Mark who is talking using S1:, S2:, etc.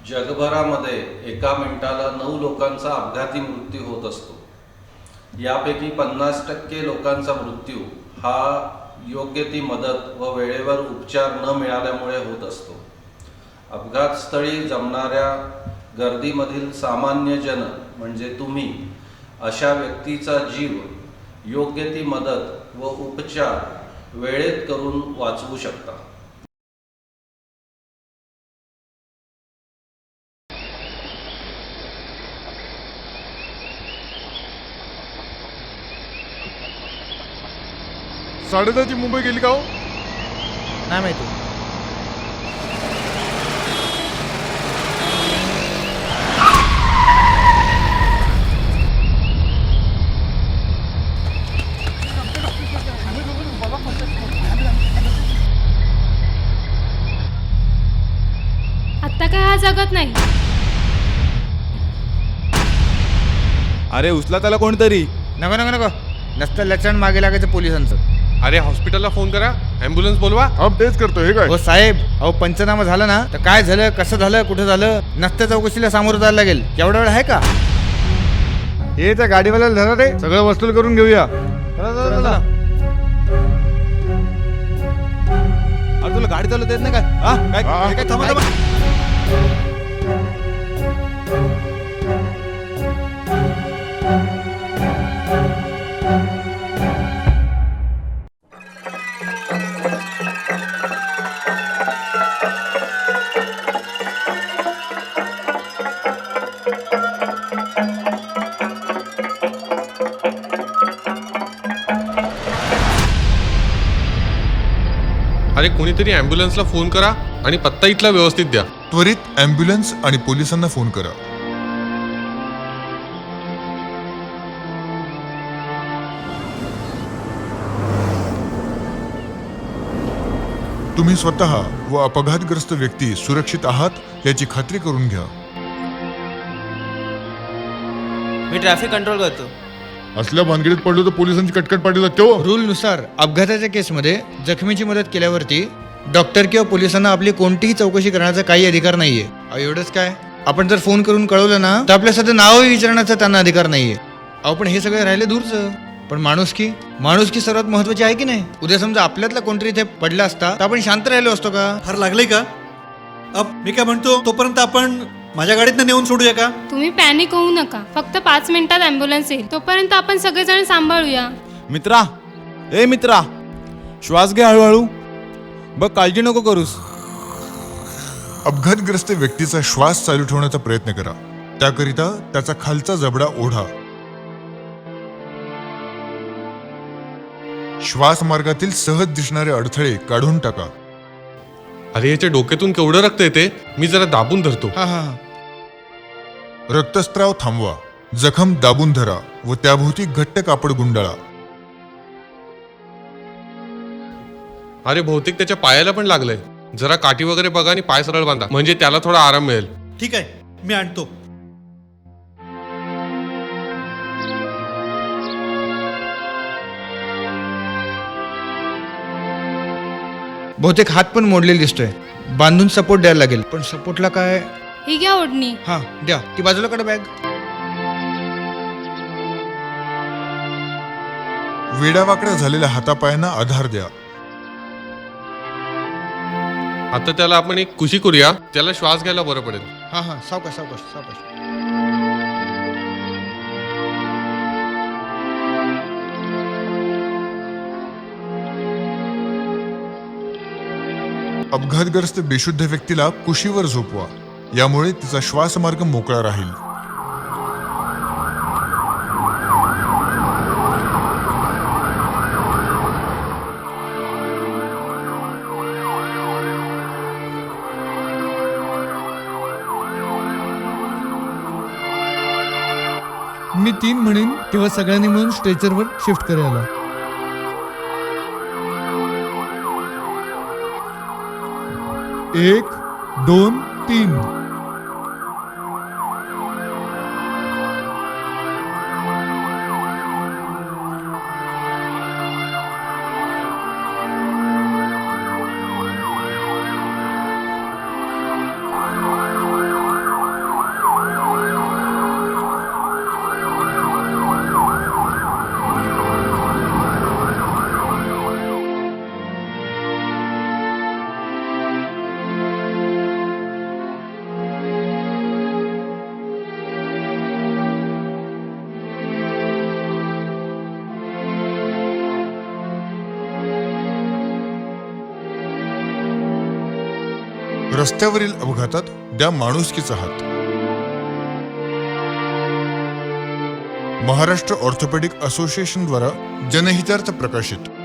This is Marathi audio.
S1: जगभरामध्ये एका मिनिटाला 9 लोकांचा अपघाती मृत्यू होत असतो. यापैकी 50% लोकांचा मृत्यू हा योग्य ती मदत व वेळेवर उपचार न मिळाल्यामुळे होत असतो. अपघातस्थळी जमणाऱ्या गर्दीमधील सामान्य जन म्हणजे तुम्ही अशा व्यक्तीचा जीव योग्य ती मदत व उपचार वेळेत करून वाचवू शकता.
S2: साडेदहाची मुंबई गेली का हो?
S3: नाही माहिती.
S4: आता काय हा जगत नाही.
S2: अरे उचला त्याला कोणतरी.
S3: नको नको नको, नसतं लक्षण मागे लागायचं पोलिसांचं.
S5: अरे हॉस्पिटलला फोन करा, ॲम्ब्युलन्स बोलवा.
S2: अब तेच करतो. हे काय
S3: हो साहेब, अहो पंचनामा झाला ना, तर काय झालं, कसं झालं, कुठं झालं, नसत्या चौकशीला सामोरं जायला लागेल. एवढा वेळ आहे का?
S2: हे त्या गाडीवाल्याला धरा रे, सगळं वसूल करून घेऊया. चला चला चला.
S6: अरे तुला गाडी चालवता येत नाही काय? हा काय
S2: हा.
S6: काय थांबा थांबा.
S5: अरे कोणीतरी ॲम्ब्युलन्सला फोन करा आणि पत्ता इथला व्यवस्थित द्या.
S7: त्वरित ॲम्ब्युलन्स आणि पोलिसांना फोन करा. तुम्ही स्वतः व अपघातग्रस्त व्यक्ती सुरक्षित आहात याची खात्री करून घ्या.
S6: मी ट्रॅफिक कंट्रोल करतो.
S2: असल्या भानगडीत पडलो तर पोलिसांची कटकट पाठी लागते हो.
S3: रूलनुसार अपघाताच्या केसमध्ये जखमीची मदत केल्यावरती डॉक्टर किंवा पोलिसांना आपली कोणतीही चौकशी करण्याचा काही अधिकार नाहीये. एवढंच काय, आपण जर फोन करून कळवलं ना, तर आपल्या सध्या नावही विचारण्याचा त्यांना अधिकार नाहीये. अहो पण हे सगळे राहिले दूरचं. पण माणुसकी सर्वात महत्वाची आहे की नाही? उद्या समजा आपल्यातला कोणतरी इथे पडला असता तर आपण शांत राहिलो असतो का?
S6: फार लागलंय का? मी काय म्हणतो, तोपर्यंत आपण माझ्या गाडीतनं नेऊन सोडूया का?
S4: तुम्ही पॅनिक होऊ नका. फक्त 5 मिनिटात ॲम्ब्युलन्स येईल. तोपर्यंत आपण सगळेजण सांभाळूया.
S6: मित्रा, ए मित्रा, श्वास घे हळूहळू. बघ, काळजी नको करूस.
S7: अपघातग्रस्त व्यक्तीचा श्वास चालू ठेवण्याचा प्रयत्न करा. त्याकरिता त्याचा खालचा जबडा ओढा. श्वास मार्गातील सहज दिसणारे अडथळे काढून टाका.
S5: अरे याच्या डोक्यातून केवढं रक्त येते, मी जरा दाबून धरतो.
S3: हा हा हा.
S7: रक्तस्त्राव थांबवा. जखम दाबून धरा व त्याभोवती घट्ट कापड गुंडाळा.
S5: अरे बहुतेक त्याच्या पायाला पण लागलंय. जरा काठी वगैरे बघा आणि पाय सरळ बांधा, म्हणजे त्याला थोडा आराम मिळेल.
S6: ठीक आहे, मी आणतो.
S3: बहुतेक हात पण मोडलेला दिसतोय. बांधून सपोर्ट द्यायला लागेल. पण सपोर्टला काय?
S4: ही घ्या ओढणी.
S3: हा द्या, ती बाजूला काढा बॅग.
S7: वेडावाकडा झालेल्या हातापायांना आधार द्या.
S5: आता त्याला आपण एक कुशी करूया, त्याला श्वास घ्यायला बरं पडेल.
S3: हा हा, सावकाश सावकाश सावकाश.
S7: अपघातग्रस्त बेशुद्ध व्यक्तीला कुशीवर झोपवा. यामुळे तिचा श्वासमार्ग मोकळा राहील.
S8: मी 3 म्हणेन तेव्हा सगळ्यांनी मिळून स्ट्रेचरवर शिफ्ट करायला. 1 2 3.
S7: रस्त्यावरील अपघातात द्या माणुसकीचा हात. महाराष्ट्र ऑर्थोपेडिक असोसिएशन द्वारा जनहितार्थ प्रकाशित.